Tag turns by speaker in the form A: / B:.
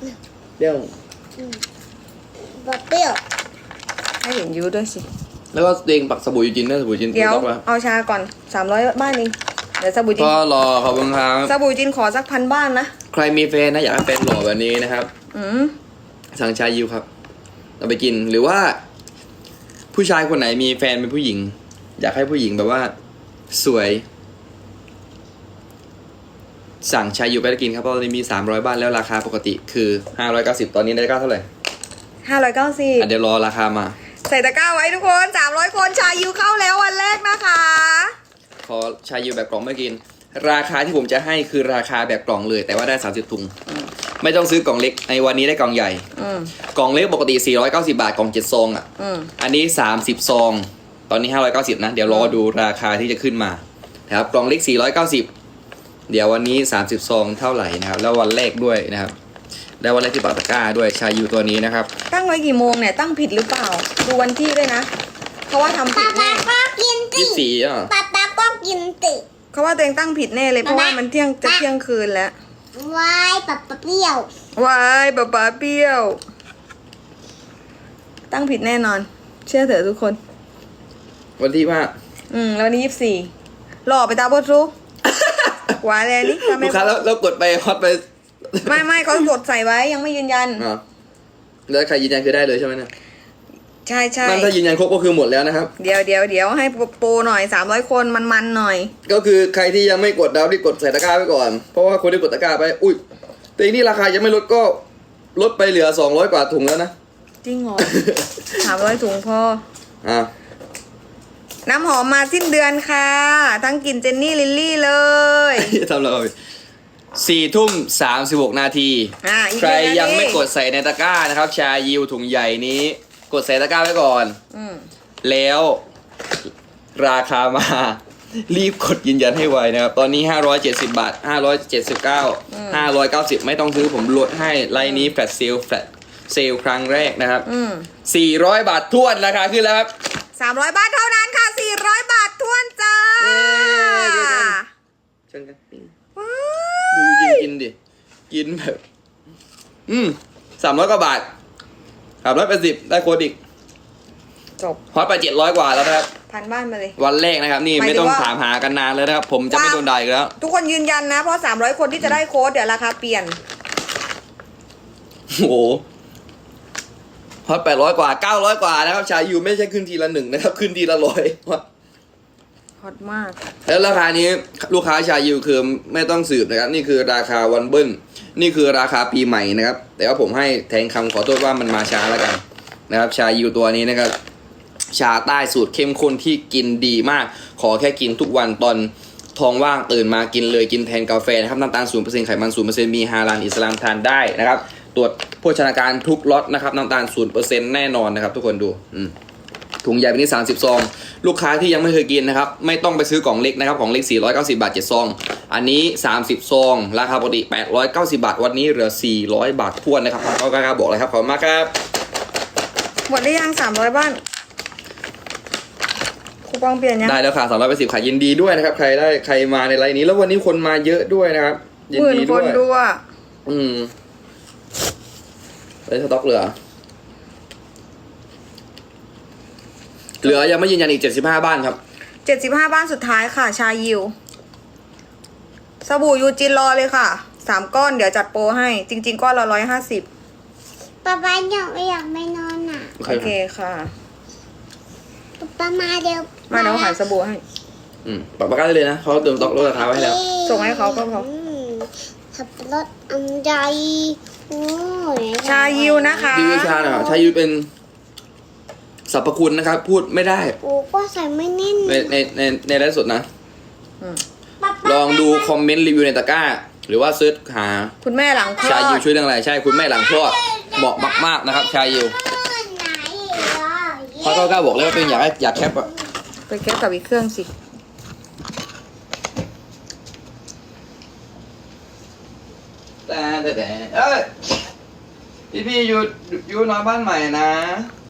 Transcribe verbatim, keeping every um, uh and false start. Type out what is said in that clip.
A: เปรี้ยว
B: แบบเปรี้ยว
C: ให้เห็นยูด้วยสิ
A: แล้วก็ตัวเองปักสบู่ยูจินด้วยสบู่ยูจิน
C: เดี๋ยว
A: ถูกต้องปะ
C: เอาชาก่อนสามร้อยบ้านเองเดี๋ยวสบู่จิน
A: ก็รอขอบคุณครับ
C: สบู่จินขอสักพันบ้านนะ
A: ใครมีแฟนนะอยากให้แฟนหล่อแบบนี้นะครับ
C: อืม
A: สั่งชายิวครับเราไปกินหรือว่า ผู้ชายคนไหนมีแฟนเป็นผู้หญิง อยากให้ผู้หญิงแบบว่า สวย สั่งชายิวไปกินครับเพราะตอนนี้มีสามร้อยบ้านแล้วราคาปกติคือห้าร้อยเก้าสิบตอนนี้ได้เก้าเท่าไหร่
C: ห้าร้อยเก้าสิบ
A: อ่ะเดี๋ยวรอราคามา
C: ใส่ตะกร้าไว้ทุกคนสามร้อยคนชายูเข้าแล้ววันแรกนะคะ
A: ขอชายิวแบบกล่องไม่กิน ราคาที่ผมจะให้คือราคาแบบกล่องเลย แต่ว่าได้สามสิบถุงไม่ต้องซื้อกล่องเล็กในวันนี้ได้กล่องใหญ่
C: อืม
A: กล่องเล็กปกติสี่ร้อยเก้าสิบบาทกล่องเจ็ดซองอ่ะ
C: อืม
A: อันนี้สามสิบซองตอนนี้ห้าร้อยเก้าสิบนะเดี๋ยวรอดูราคาที่จะขึ้นมานะครับกล่องเล็กสี่ร้อยเก้าสิบเดี๋ยววันนี้สามสิบซองเท่าไหร่นะครับแล้ววันแรกด้วยนะครับแล้ววันแรกที่ปาตะกร้าด้วยชายูตัวนี้นะครับ
C: ตั้งไว้กี่โมงเนี่ยตั้งผิดหรือเปล่า ดูวันที่ด้วยนะเขาว่าทำผิ
B: ป๊า
C: ด
B: ป๊า
C: แน่
B: ก็กินติ
A: ยี่สิบสี่อ่ะ
B: ป๊าป๊าก็กินติ
C: เขาว่าตัวเองตั้งผิดแน่เลยเพราะว่ามันเที่ยงจะเที่ยงคืนแล้ว
B: วายป๊าป๊าเปรี้ยว
C: วายป๊าป๊าเปรี้ยว ตั้งผิดแน่นอน เชื่อเถอะทุกคน
A: วันที่ว่า
C: อืมแล้ววันนี้ยี่สิบสี่หล่อไปตาบดรู้ หวานเลยนี่ทำไม
A: ลูกค้าแล้วแล้วกดไปฮอตไป
C: ไม่ไม่เขากดใส่ไว้ยังไม่ยืนยัน
A: อ่ะแล้วใครยืนยันคือได้เลยใช่ไหมเนี่ย
C: ใช่ใช่
A: นั่นถ้ายืนยันครบก็คือหมดแล้วนะครับ
C: เดี๋ยวเดี๋ยวเดี๋ยวให้โปรหน่อยสามร้อยคนมันมันๆหน่อย
A: ก็คือใครที่ยังไม่กดดาวที่กดใส่ตะกร้าไว้ก่อน เพราะว่าคนที่กดตะกร้าไปอุ้ยแต่อีนี่ราคายังไม่ลดก็ลดไปเหลือสองร้อยกว่าถุงแล้วนะ
C: จริงเหรอ สามร้อยถุงพอ
A: อ่ะ
C: น้ำหอมมาสิ้นเดือนค่ะ ทั้งกลิ่นเจนนี่ลิลลี่เลย
A: ทำอะไรสี่ทุ่มสามสิบหกนาที
C: อ่าอีก
A: ใคร
C: หนึ่นาที
A: ยังไม่กดใส่ในตะกร้านะครับ ชายิวถุงใหญ่นี้ กดใส่ตะกร้าไว้ก่อน
C: อืม
A: แล้วราคามา รีบกดยืนยันให้ไวนะครับ ตอนนี้ ห้าร้อยเจ็ดสิบบาท ห้าร้อยเจ็ดสิบเก้า ห้าร้อยเก้าสิบ ไม่ต้องซื้อผมลดให้ไลน์นี้แฟลชเซลแฟลชเซลครั้งแรกนะครับ
C: อืม
A: สี่ร้อยบาททวนราคาขึ้นแล้วครับ
C: สามร้อยบาทเท่านั้นค่ะสี่ร้อยบาททวนจ้า
A: เย้เดี๋ยวกัน เชิญกัน
C: ว้า
A: ดูยู
C: ย
A: จินกินดิ กินแบบ อืมสามร้อยกว่าบาทสามร้อยแปดสิบได้โค้ดอีก
C: จบ
A: ฮอตไปเจ็ดร้อยกว่าแล้วนะครับ
C: พันบ้านมาเลย
A: วันแรกนะครับ นี่
C: หมายถึง
A: ไม่ต้อง
C: ว่า
A: ถามหากันนานเลยนะครับ ผมจะไม่โดนด่าอีกแล้ว
C: ทุกคนยืนยันนะ เพราะสามร้อยคนที่จะได้โค้ดเดี๋ยวราคาเปลี่ยน
A: โอ้โหฮอตแปดร้อยกว่าเก้าร้อยกว่านะครับ ชายูไม่ใช่ขึ้นทีละหนึ่งนะครับ ขึ้นทีละร้อย
C: ฮอตมาก
A: แล้วราคานี้ลูกค้าชายูคือไม่ต้องสืบนะครับ นี่คือราคาวันเบิ้ลนี่คือราคาปีใหม่นะครับ แต่ว่าผมให้แทงคำขอโทษว่ามันมาช้าแล้วกันนะครับ ชายูตัวนี้นะครับ ชาใต้สูตรเข้มข้นที่กินดีมาก ขอแค่กินทุกวันตอนท้องว่างตื่นมากินเลยกินแทนกาแฟนะครับน้ำตาลศูนย์เปอร์เซ็นต์ไขมันศูนย์เปอร์เซ็นต์มีฮาลาลอิสลามทานได้นะครับ ตรวจโภชนาการทุกล็อตนะครับน้ำตาลศูนย์เปอร์เซ็นต์แน่นอนนะครับ ทุกคนดูอืมถุงใหญ่แบบนี้สามสิบซองลูกค้าที่ยังไม่เคยกินนะครับไม่ต้องไปซื้อกล่องเล็กนะครับของเล็กสี่ร้อยเก้าสิบบาทเจ็ดซองอันนี้สามสิบซองราคาปกติแปดร้อยเก้าสิบบาทวันนี้เหลือสี่ร้อยบาททวนนะครับเขากล้าบอกเลยครับขอบคุณมากครับ
C: หมดได้ยังสามร้อยบ้านคูปองเปลี่ยนยัง
A: ได้แล้วค่ะสามร้อยแปดสิบขายยินดีด้วยนะครับ ใครได้ใครมาในไลน์นี้ แล้ววันนี้คนมาเยอะด้วยนะครับยิน
C: หมื่น
A: ดี
C: ค
A: ด้วน ย
C: ดูอ่ะ
A: อืมได้สต็อกเหลือ เหลือยังไม่ยืนยันอีกเจ็ดสิบห้าบ้านครับ
C: เจ็ดสิบห้าบ้านสุดท้ายค่ะ ชายิว สบู่ยูจินรอเลยค่ะ สามก้อนเดี๋ยวจัดโปรให้ จริง ๆ ก้อนละร้อยห้าสิบ
B: ป๊าป๊าอยากไม่อยากไม่นอนอ่ะ
A: โอเค
C: โอเคค่ะ
B: ป๊าป๊ามาเดี๋ยว
C: มาเดี๋ยวขายสบู่ให้
A: อืมปรับประกันได้เลยนะเขาเติมสต็อกลดราคาไว้ให้แล้ว
C: ส่งให้เขาก็พอ
B: มขับรถอันใหญ่โอ้ย
C: ชายิวนะคะ
A: รีวิวชาหน่อยชายูเป็นสรรพคุณนะครับ พูดไม่ได้
B: โอ้ก็ใส่ไม่แน่น
A: ในในในในไลฟ์สดนะ
C: อืม
B: ป๊าป๊า
A: ลองดูคอมเมนต์รีวิวในตะกร้า หรือว่าเซิร์ชหา
C: คุณแม่หลังคลอ
A: ชายู
C: ด
A: ช่วยเรื่องอะไรใช่คุณแม่หลังคลอดเหมาะมากๆนะครับ ชายู
B: ไหนอ่ะ
A: เพราะเก้าเก้าบอกเลยว่าเป็นอยากให้อยากแคปอะ
C: ไปแก้กับอีกเครื่องสิ
A: แต่แต่แต่เอ้ยพี่พี่อยู่อยู่นอนบ้านใหม่นะ